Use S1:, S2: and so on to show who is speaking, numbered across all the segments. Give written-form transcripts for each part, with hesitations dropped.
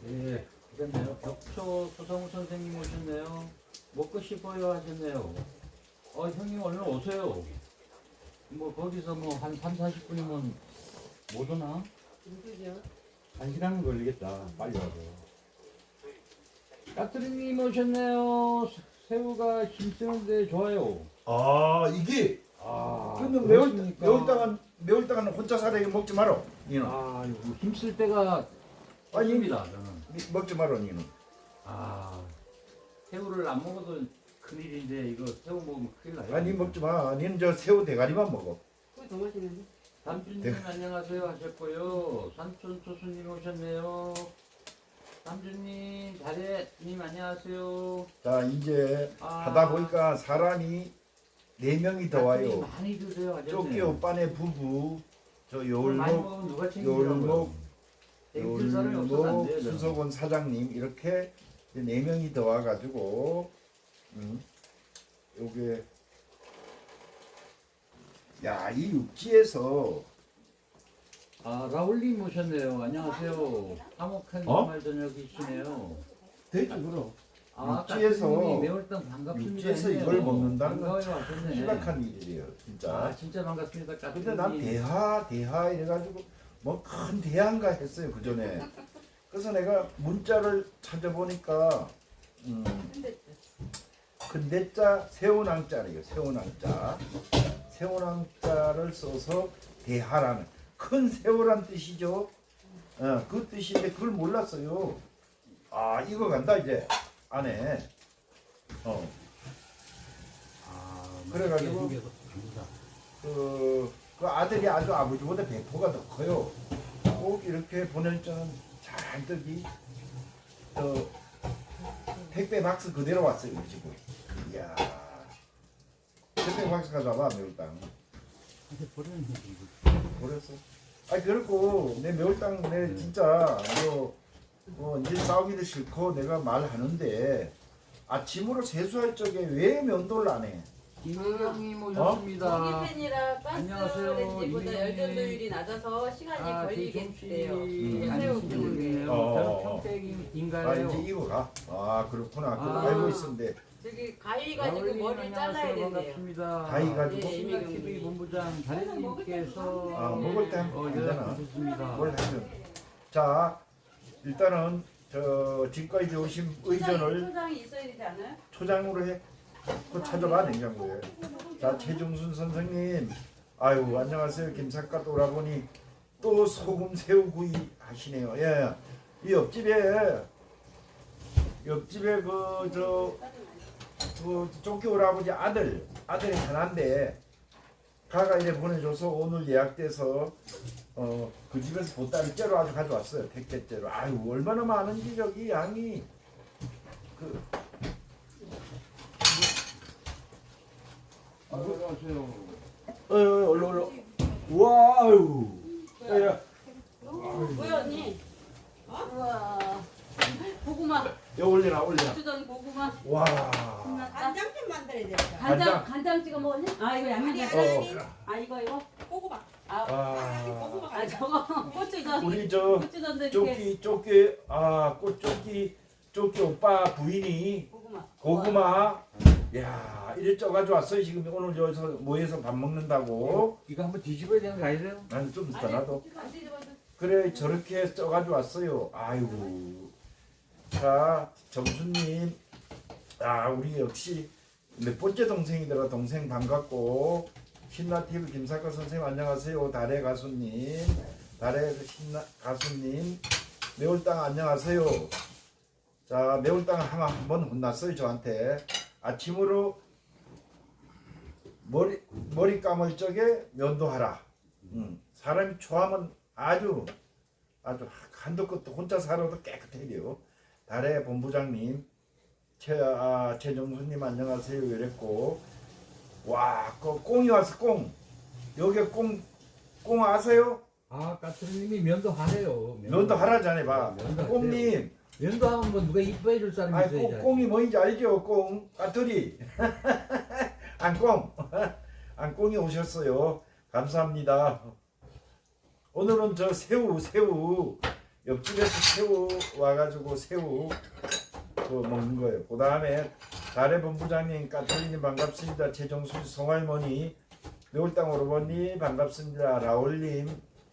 S1: 예, 그렇네요. 격초 소성우 선생님 오셨네요. 먹고 싶어요 하셨네요. 형님 얼른 오세요. 뭐 거기서 뭐 한 3, 40분이면 못 오나?
S2: 누구죠?
S1: 1시간은 걸리겠다. 빨리 와서. 까투리님 오셨네요. 새우가 힘쓰는데 좋아요.
S3: 아 이게 그러면 매울당은 혼자 살아야 먹지 마라 니는.
S1: 이거 힘쓸 때가
S3: 아니,
S1: 없습니다. 저는.
S3: 먹지 마라 니는.
S1: 새우를 안 먹어도 큰일인데 이거 새우 먹으면 큰일 나요.
S3: 아니 먹지 마. 니는 저 새우 대가리만 먹어.
S2: 그거 더 맛있는데?
S1: 삼촌님 안녕하세요 하셨고요. 삼촌 초수님 오셨네요. 삼촌님, 다래님 안녕하세요.
S3: 자 이제 하다 보니까 사람이 4명이 더 와요.
S1: 많이 드세요 하셨네.
S3: 쪼끼 오빠네 부부, 저
S1: 많이
S3: 요울목,
S1: 먹으면 누가 챙기려고요? 땡길 사람이 없어서 안 돼요. 저는.
S3: 수석원 사장님 이렇게 4명이 더 와가지고 요게 야 이 육지에서
S1: 라울님 오셨네요. 안녕하세요. 화목한 주말 저녁이시네요.
S3: 되지 그럼.
S1: 육지에서
S3: 육지에서
S1: 매월당 반갑습니다.
S3: 육지에서
S1: 했네요.
S3: 이걸 먹는다는 건
S1: 반가워요
S3: 참
S1: 하셨네.
S3: 희박한 일이에요 진짜.
S1: 진짜 반갑습니다.
S3: 근데 난 대하 이래가지고 뭐 큰 대한가 했어요 그 전에. 그래서 내가 문자를 찾아보니까 근대자 세운왕자래요. 세운왕자를 써서 대하라는 큰 새우란 뜻이죠. 그 뜻인데 그걸 몰랐어요. 이거 간다 이제 안에. 그래가지고 그 아들이 아주 아버지보다 배포가 더 커요. 꼭 이렇게 보낼 줄은 잔뜩이 택배 박스 그대로 왔어요 지금. 이야, 택배 박스 가져와봐 매울당. 버렸어. 그렇고 내 매울당 내 진짜 뭐 이제 싸우기도 싫고 내가 말하는데 아침으로 세수할 적에 왜 면도를 안 해?
S1: 김혜경님 오셨습니다.
S2: 전기 팬이라
S1: 안녕하세요,
S2: 가스레인지보다
S1: 이민희.
S2: 열전도율이 낮아서 시간이 걸리겠대요.
S1: 새우
S2: 새우
S1: 기울네요.
S3: 어.
S1: 저는
S3: 이제
S1: 평택인가요?
S3: 이거가. 그렇구나. 그거
S1: 아.
S3: 알고 있었는데
S2: 저기 가위 가지고
S1: 라울님
S2: 머리를 잘라야
S1: 안녕하세요.
S2: 된대요.
S1: 반갑습니다.
S3: 가위 가지고?
S1: 신라 TV 본부장 다래님께서
S3: 먹을 때 하면 되잖아.
S1: 연락주셨습니다.
S3: 뭘 하면. 자 일단은 저 지금까지 오신 의전을
S2: 초장이 있어야 되지 않아요?
S3: 초장으로 해. 그거 찾아봐 냉장고에. 자 최종순 선생님, 아유 안녕하세요. 김삿갓 오라버니 또 소금 새우구이 하시네요. 예, 이 옆집에 그 쫓기 오라버지 아들이 하나인데 가가 이래 보내줘서 오늘 예약돼서 그 집에서 보따리 째로 아주 가져왔어요. 택배째로. 아유 얼마나 많은지 저기 양이
S1: 안녕하세요.
S3: 얼른 와우. 야.
S2: 뭐야 언니? 우와 고구마
S3: 야 올려라.
S2: 주던 고구마
S3: 와.
S4: 간장 좀 만들어야 되겠다.
S2: 간장 찍어 먹었니? 이거 양념 이거
S4: 꼬꼬박.
S3: 와.
S2: 저거 고추전
S3: 우리 저
S2: 고추전도 이렇게
S3: 쪼끼 오빠 부인이 고구마 야 이래 쪄가지고 왔어요. 지금 오늘 여기서 모여서 밥 먹는다고.
S1: 이거 한번 뒤집어야 되는 거 아니세요?
S3: 난 좀 이따 놔둬.
S2: 안 뒤집어도
S3: 그래 저렇게 쪄가지고 왔어요. 아이고. 자 정수님, 우리 역시 몇 번째 동생이더라. 동생 반갑고. 신나TV 김사과 선생님 안녕하세요. 달의 가수님, 가수님, 매울땅 안녕하세요. 자 매울땅 한번 혼났어요 저한테. 아침으로 머리 감을 적에 면도하라. 사람이 좋아하면 아주 한도 끝도 혼자 살아도 깨끗해요. 달의 본부장님, 최정수님 안녕하세요. 이랬고. 와, 꽁이 왔어. 꽁. 여기 꽁 아세요?
S1: 까투리님이 면도 하래요.
S3: 면도 하라잖아요. 봐.
S1: 면도
S3: 꽁님.
S1: 면도하면 뭐 누가 이뻐해 줄 사람이 있어야지.
S3: 꽁이 뭔지 알죠? 꽁. 까투리. 안꽁이 오셨어요. 감사합니다. 오늘은 저 새우 옆집에서 새우 와가지고 새우 그 먹는 거예요. 그 다음에 달의 본부장님, 까톨리님 반갑습니다. 최정수 송할머니, 매울땅 오르버니 반갑습니다. 라울님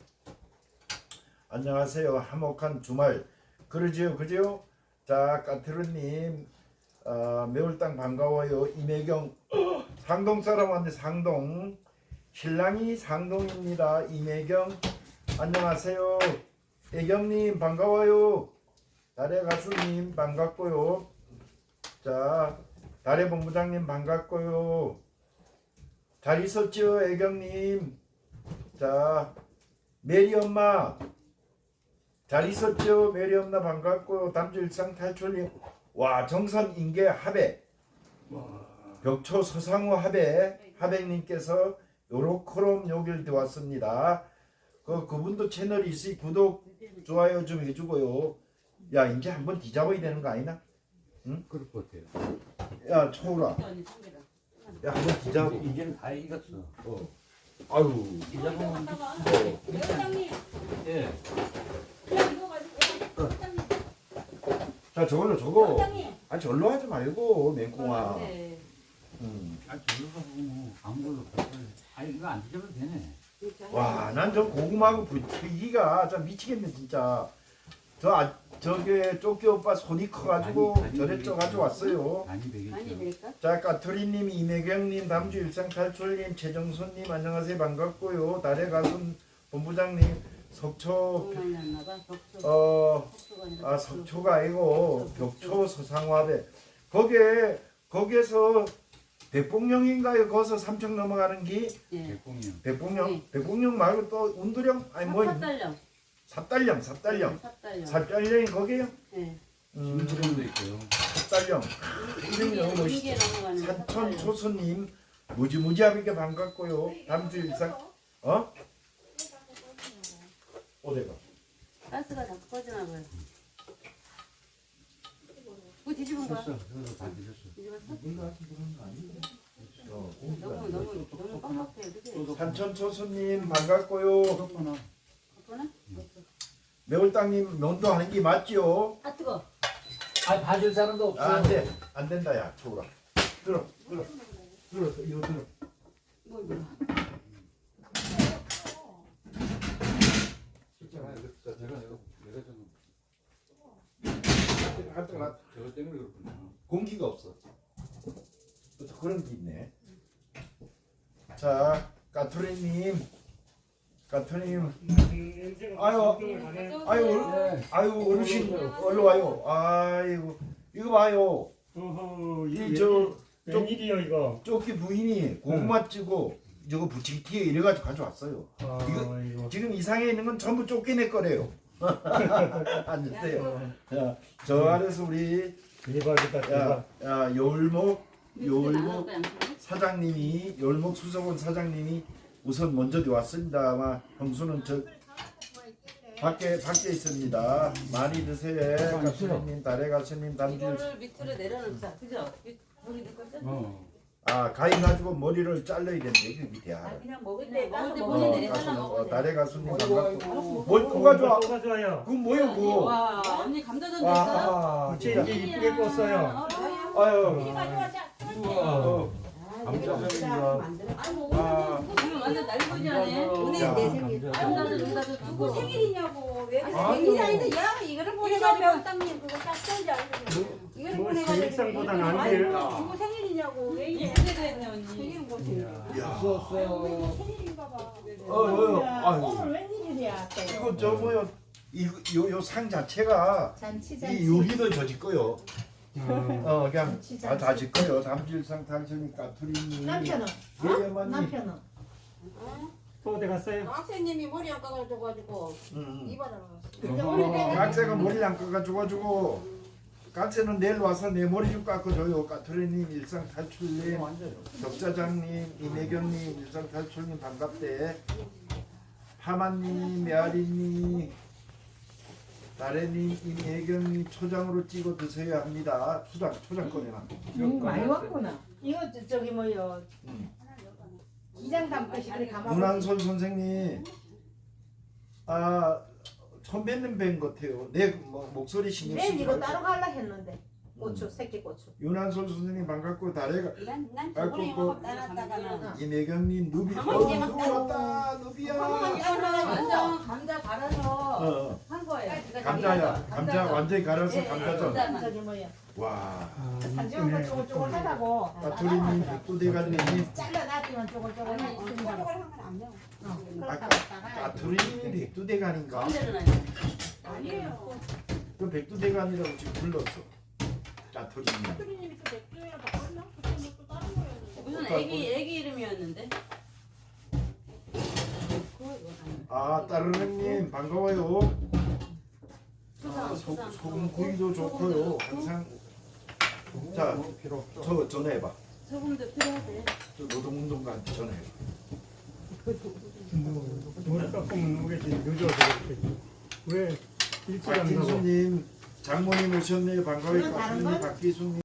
S3: 안녕하세요. 화목한 주말 그러지요, 그죠? 자, 까트르님 매울땅 반가워요. 이매경 상동 사람 왔네. 상동 신랑이 상동입니다. 이매경 안녕하세요. 애경님 반가워요. 달의 가수님 반갑고요. 자, 달의 본부장님 반갑고요. 잘 있었죠, 애경님? 자, 메리 엄마 잘 있었죠? 메리 엄마 반갑고요. 담주 일상 탈출님, 와, 정선 인계 하백, 벽초 서상우 하백님께서 요로코롬 여길 들어왔습니다. 그분도 채널이 있으니 구독 좋아요 좀 해주고요. 야, 이제 한번 뒤잡아야 되는 거 아니나? 응?
S1: 그럴 것 같아요.
S3: 야, 초우라.
S2: 언니 참기라.
S3: 야, 한번 뒤잡아.
S1: 이제는 다 익었어.
S3: 아유.
S1: 이자만
S4: 회장님,
S1: 예.
S4: 그냥 이거 가지고 회장님,
S3: 자, 저거.
S4: 회장님.
S3: 아, 절로 하지 말고 맹꽁아.
S2: 네.
S1: 아 저기서 뭐 아무걸로 아 이거 안 뒤져도 되네.
S3: 와, 난 저 고구마하고 부치기가 참 미치겠네 진짜. 저게 쪼끼 오빠 손이 커가지고
S1: 많이
S3: 저래 쪄 가지고 왔어요.
S1: 많이
S2: 많이
S1: 되겠죠.
S2: 될까?
S3: 자, 까투리님, 이매경님, 담주 일상탈출님, 최정선님 안녕하세요 반갑고요. 달의 가슴 본부장님, 석초
S2: 너무 많이 났나 봐. 벽초가 아니라
S3: 석초가 아니고 벽초 서상화배 거기에서 대뽕령인가요? 거기서 삼척 넘어가는 기
S2: 예.
S1: 대공이요.
S3: 대뽕령
S2: 네.
S3: 대뽕령 말고 또 운두령 아니 뭐
S2: 삽달령.
S3: 삽달령
S2: 삽달령.
S3: 삽달령이 거기에요?
S2: 예.
S1: 김치령도 있고요.
S3: 삽달령 이름이 너무 멋있어.
S2: 이게 넘어가는
S3: 산천 초수님 무지무지하게 반갑고요. 담주 일상 어디가?
S2: 가스가 자꾸 꺼지나 봐요. 그거 뒤집은 거야?
S1: 됐어. 그래서 다 뒤졌어.
S2: 뒤집었어?
S3: 이거 같은 그런 거 아닌데?
S2: 너무 빡빡해. 그치?
S3: 산천 초수님 반갑고요.
S1: 그렇구나.
S2: 그거나?
S3: 매울땅님 면도하는 게 맞지요?
S2: 아 뜨거.
S1: 아 봐줄 사람도 없어.
S3: 아, 안 된다 야 초우라. 들어 이거 들어.
S2: 뭐
S1: 내가 좀
S3: 하여튼
S1: 저거 때문에 그렇구나.
S3: 공기가 없어. 또 그런 게 있네. 자, 까투리님, 아유 어르신 얼른 와요. 아이고 이거 봐요. 이저
S5: 웬일이요 이거?
S3: 쪼끼 부인이 고구마 찌고 저거 부치기티에 이래가지고 가져왔어요.
S5: 이거
S3: 지금 이 상에 있는 건 전부 쫓겨낼 거래요. 앉으세요. 야, 저 아래서 우리
S5: 대박이다 대박.
S3: 야 요울목 사장님이 요울목 수석원 사장님이 우선 먼저 왔습니다. 아마 형수는 저 밖에 있습니다. 많이 드세요. 가수님, 달의 가수님, 담주.
S2: 이거를 밑으로 내려놓자. 그죠? 거기 넣을 거죠?
S3: 아, 가위 가지고 머리를 잘라야 되는데 이게 밑에 아.
S4: 그냥 먹을 때 따서
S2: 먹을 때
S4: 먹으면
S2: 머리 내려달라 먹어야 돼.
S3: 달의 가수님
S1: 아이고,
S3: 반갑고. 뭘 뭐가 좋아?
S5: 뭐가 좋아요?
S3: 그건 뭐예요, 그거?
S2: 와 언니 감자전도 있어요?
S3: 와,
S5: 부채
S3: 진짜.
S5: 이제 이쁘게 꽂어요.
S3: 아유.
S1: 우와.
S2: 아이고
S3: 아.
S2: 오늘 완전 날보지 않네.
S4: 오늘
S3: 야.
S4: 내 생일.
S2: 감자전 여기다 좀
S4: 누구
S2: 두고.
S4: 생일이냐고. 왜 그래?
S3: 아이고.
S4: 생일이 아닌데 야 이거를
S2: 이거
S4: 보내가지고
S2: 몇
S4: 땅님 그거 딱 써야지 알고. 이거를
S5: 뭐
S4: 보내가지고
S5: 생일상보다는
S4: 이거
S5: 안 돼요.
S4: 아이고, 누구 생일이냐고. 왜 이래?
S2: 이쁘게도 했네 언니.
S4: 생일은 뭐 생일?
S3: 야.
S4: 생일인가 봐.
S3: 아유.
S4: 오늘 웬일이야?
S3: 이거 저 뭐요? 요 상 자체가
S4: 잔치
S3: 이 여기도 저지 거요. 그냥
S4: 잔치, 잔치.
S3: 다 짓거요. 담질상 당신이 까투리니.
S4: 남편은?
S3: 예예만님.
S4: 남편은?
S5: 또 어디 갔어요?
S4: 학생님이 머리 안 감아줘가지고 이발하러
S3: 어, 각세가 머리 안 깎아줘가지고 각세는 내일 와서 내 머리 좀 깎아줘요. 까투리님, 일상 탈출님, 덕자장님, 이매경님, 일상 탈출님 반갑대. 파마님, 메아리님, 나래님, 이매경님 초장으로 찍어 드셔야 합니다. 초장 꺼내놔.
S6: 많이 왔구나. 이거 저기 뭐요? 기장 담듯이 그래 감아.
S3: 문한솔 선생님, 처음 뵙는 뵌 것 같아요. 내 목소리 신경
S6: 맨
S3: 쓰지
S6: 이거
S3: 말고.
S6: 따로 갈라 했는데 고추 새끼 고추.
S3: 윤한솔 선생님 반갑고 다래가
S4: 난
S3: 아이고,
S4: 저번에
S3: 그-
S4: 영업 따놨다가는
S3: 이매경님 누비
S4: 가만히 있지 마.
S3: 누비 왔다 누비야.
S2: 완전 감자 갈아서 한 거예요.
S3: 감자야 감자 완전히 갈아서 감자전.
S2: 감자만.
S6: 저기 뭐야.
S3: 와
S6: 산지가 쪼글쪼글하다고.
S3: 까투리님 백두대간님
S6: 잘라놨지만 쪼글쪼글 있습니다.
S4: 한건안 매워.
S3: 아까 까투리님이 백두대간인가?
S2: 언제는
S4: 아니에요.
S3: 그 백두대간이라고 지금 불렀어. 까투리님.
S4: 사투리님이 또 맥주에 바꿨나? 그때 또 다른 거였는데.
S2: 무슨 애기 이름이었는데?
S3: 아 따르릉님 반가워요.
S2: 수상,
S3: 소금 구이도 좋고요. 항상 자, 저 전화해봐.
S2: 소금도 필요하대.
S3: 저 노동운동가한테 전화해봐.
S5: 물 깎으면 오겠지. 늦어서 그렇겠지. 왜 일찍 안 나고?
S3: 박진수님, 장모님 오셨네요. 반가워요.
S6: 이건 다른
S3: 박진수님,
S6: 건?
S3: 박기수님.